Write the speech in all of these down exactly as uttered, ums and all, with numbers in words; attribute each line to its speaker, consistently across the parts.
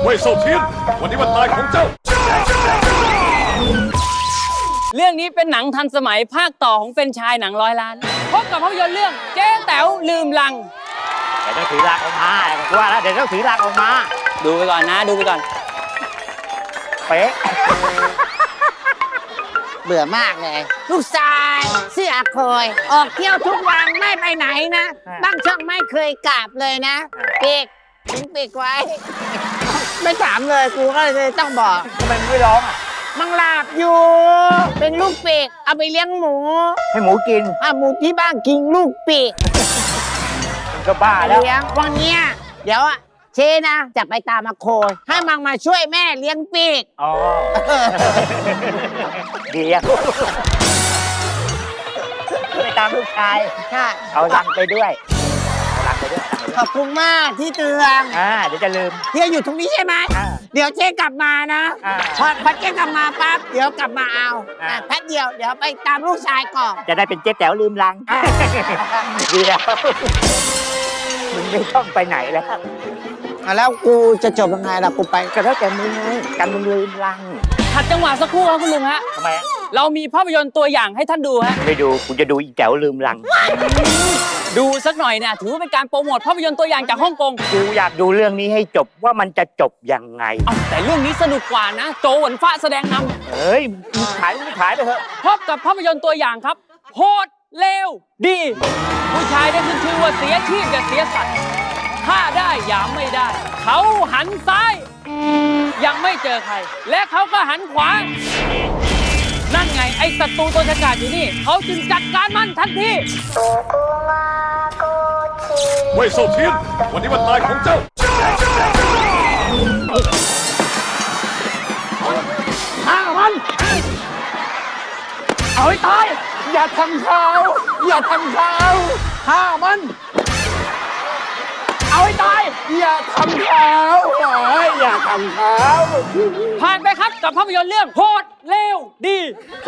Speaker 1: เว่ยเซาเทียนวันนี้วันตายของเจ้า
Speaker 2: เรื่องนี้เป็นหนังทันสมัยภาคต่อของเป็นชายหนังร้อยล้านพบกับภาพยนตร์เรื่องเจ๊แต๋วลืมลัง
Speaker 3: เดี๋ยวต้องถือลากออกมากูว่าแล้วเดี๋ยวต้องถือลากออกมา
Speaker 2: ดูไปก่อนนะดูไปก่อน
Speaker 3: เป๊ะ
Speaker 4: เบื่อมากเลยลูกชายเสื้อคอยออกเที่ยวทุกวันไม่ไปไหนนะบ้างช่องไม่เคยกลับเลยนะปีกทิ้งปีกไว้ไม่ถามเลยกูก็เลยต้องบอก
Speaker 3: ทำไมมึงไม่ร้องอ่ะ
Speaker 4: มังหลับอยู่เป็นลูกปีกเอาไปเลี้ยงหมู
Speaker 3: ให้หมูกิน
Speaker 4: อ่ะหมูที่บ้านกินลูกปีก
Speaker 3: มันก็บ้าแล้ว
Speaker 4: เลี้ยงวันเนี้ยเดี๋ยวอะเชนะจะไปตามมาโคยให้มังมาช่วยแม่เลี้ยงปีก
Speaker 3: อ๋อเดี๋ยวไปตามลูกชาย
Speaker 4: ใช่
Speaker 3: เอาลังไปด้วยลังไปด้วย
Speaker 4: ขอบคุณมากที่เตือน
Speaker 3: อ่าเดี๋ยวจะลืม
Speaker 4: เฮียอยู่ตรงนี้ใช่ไหมเดี๋ยวเจ๊กลับมานะพอพอเจ๊กลับมาปั๊บเดี๋ยวกลับมาเอาแป๊บเดียวเดี๋ยวไปตามลูกชายก่อน
Speaker 3: จะได้เป็นเจ๊แต๋วลืมลังดีแล้วมึงไม่ต้องไปไหนแล้ว
Speaker 4: แล้วกูจะจบยังไงล่ะกูไป
Speaker 3: ก็แล้วแต่มึงไงกันมึงลืมลัง
Speaker 2: ขัดจังหวะสักครู่ครับคุณลุงฮะ
Speaker 3: ทำไม
Speaker 2: เรามีภาพยนตร์ตัวอย่างให้ท่านดูฮะ
Speaker 3: ไม่ดูกูจะดูอีแต๋วลืมลัง
Speaker 2: ดูสักหน่อยเนี่ยถือว่าเป็นการโปรโมทภาพยนตร์ตัวอย่างจากฮ่องกง
Speaker 3: กูอยากดูเรื่องนี้ให้จบว่ามันจะจบยังไง
Speaker 2: เอาแต่เรื่องนี้สนุกกว่านะโจหวนฟ้าแสดงน
Speaker 3: ำเฮ้ยมึงขายมึงขายไปเถอะ
Speaker 2: พบกับภาพยนตร์ตัวอย่างครับโหดเลวดีผู้ชายได้ขึ้นชื่อว่าเสียชีพอย่าเสียสัตว์ฆ่าได้ยามไม่ได้เขาหันซ้ายยังไม่เจอใครและเขาก็หันขวานั่นไงไอ้ศัตรูตัวฉกาจอยู่นี่เขาจึงจัดการมันทันที
Speaker 1: เว่ยเซาเทียนวันนี้วันตายของเจ้า
Speaker 4: ฆ่ามันเอาให้ตายอย่าทำเขาอย่าทำเขาฆ่ามันเอาให้ตายอย่าทำเขาอย่าทำเขา
Speaker 2: ผ่านไปครับกับภาพยนตร์เรื่องโหดเลวดี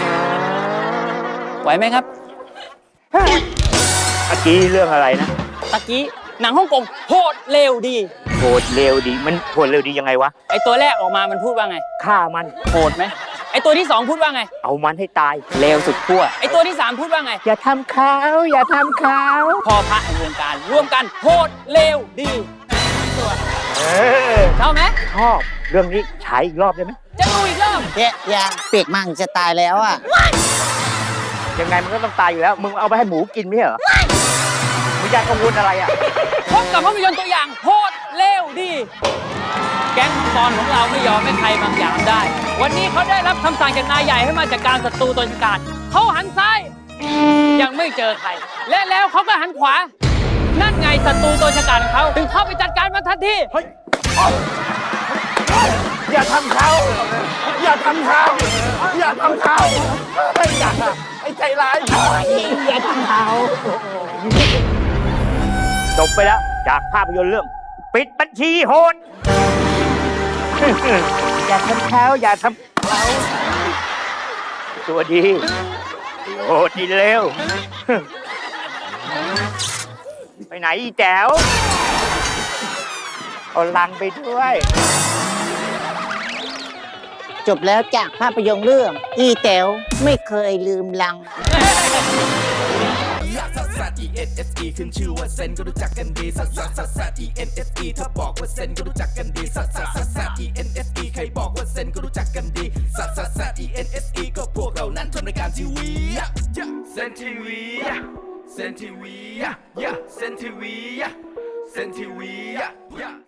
Speaker 2: ไหวไหมครับ
Speaker 3: เมื่อกี้เรื่องอะไรนะ
Speaker 2: ตะกี้หนังฮ่องกงโหดเลวดี
Speaker 3: โหดเลวดีมันโหดเลวดียังไงวะ
Speaker 2: ไอตัวแรกออกมามันพูดว่าไง
Speaker 3: ฆ่ามัน
Speaker 2: โหดไหมไอตัวที่สองพูดว่าไง
Speaker 3: เอามันให้ตาย
Speaker 2: เลวสุดขั้วไอตัวที่สามพูดว่าไง
Speaker 3: อย่าทำเขาอย่าทำเขา
Speaker 2: พอพระแห่งวงการร่วมกันโหดเลวดีตัว
Speaker 3: เออ
Speaker 2: ชอบไหม
Speaker 3: ชอบเรื่องนี้ฉายอีกรอบได้ไหม
Speaker 2: จะดูอีกรอบ
Speaker 4: เจ๊ยังปีกมังจะตายแล้วอ่ะ
Speaker 3: ยังไงมันก็ต้องตายอยู่แล้วมึงเอาไปให้หมูกินไม่เหรอมึงอยากกังวลอะไรอ่ะ
Speaker 2: พบกับภาพยนตร์ตัวอย่างโหดเลวดีแก๊งตอนของเราไม่ยอมให้ใครบางอย่างได้วันนี้เขาได้รับคำสั่งจากนายใหญ่ให้มาจัดการศัตรูตัวฉกาจเขาหันซ้ายยังไม่เจอใครและแล้วเขาก็หันขวานั่นไงศัตรูตัวฉกาจของเขาถึงเข้าไปจัดการมันทันที
Speaker 4: อย่าทำเขาอย่าทำเขาอย่าทำเขาไอ้อย่าไอ้ใจร้ายอย่าทำเขา
Speaker 3: จบไปแล้วจากภาพยนตร์เรื่องปิดบัญชีโหดอย่าทำเขาอย่าทำเขาตัวดีโหดดีเร็วไปไหนอีแจ๋วเอาลังไปด้วย
Speaker 4: จบแล้วจากภาพยนตร์เรื่องอีแต๋วไม่เคยลืมลังขึ้นชื่อว่าเซนก็รู้จักกันดีซัสซัสซัสซัส อี เอ็น เอส อี ถ้าบอกว่าเซนก็รู้จักกันดีซัสซัสซัสซัส อี เอ็น เอส อี ใครบอกว่าเซนก็รู้จักกันดีซัสซัสซัส อี เอ็น เอส อี ก็พวกเรานั้นทำรายการทีวีเซนทีวีเซนทีวีเซนทีวีเซนทีวี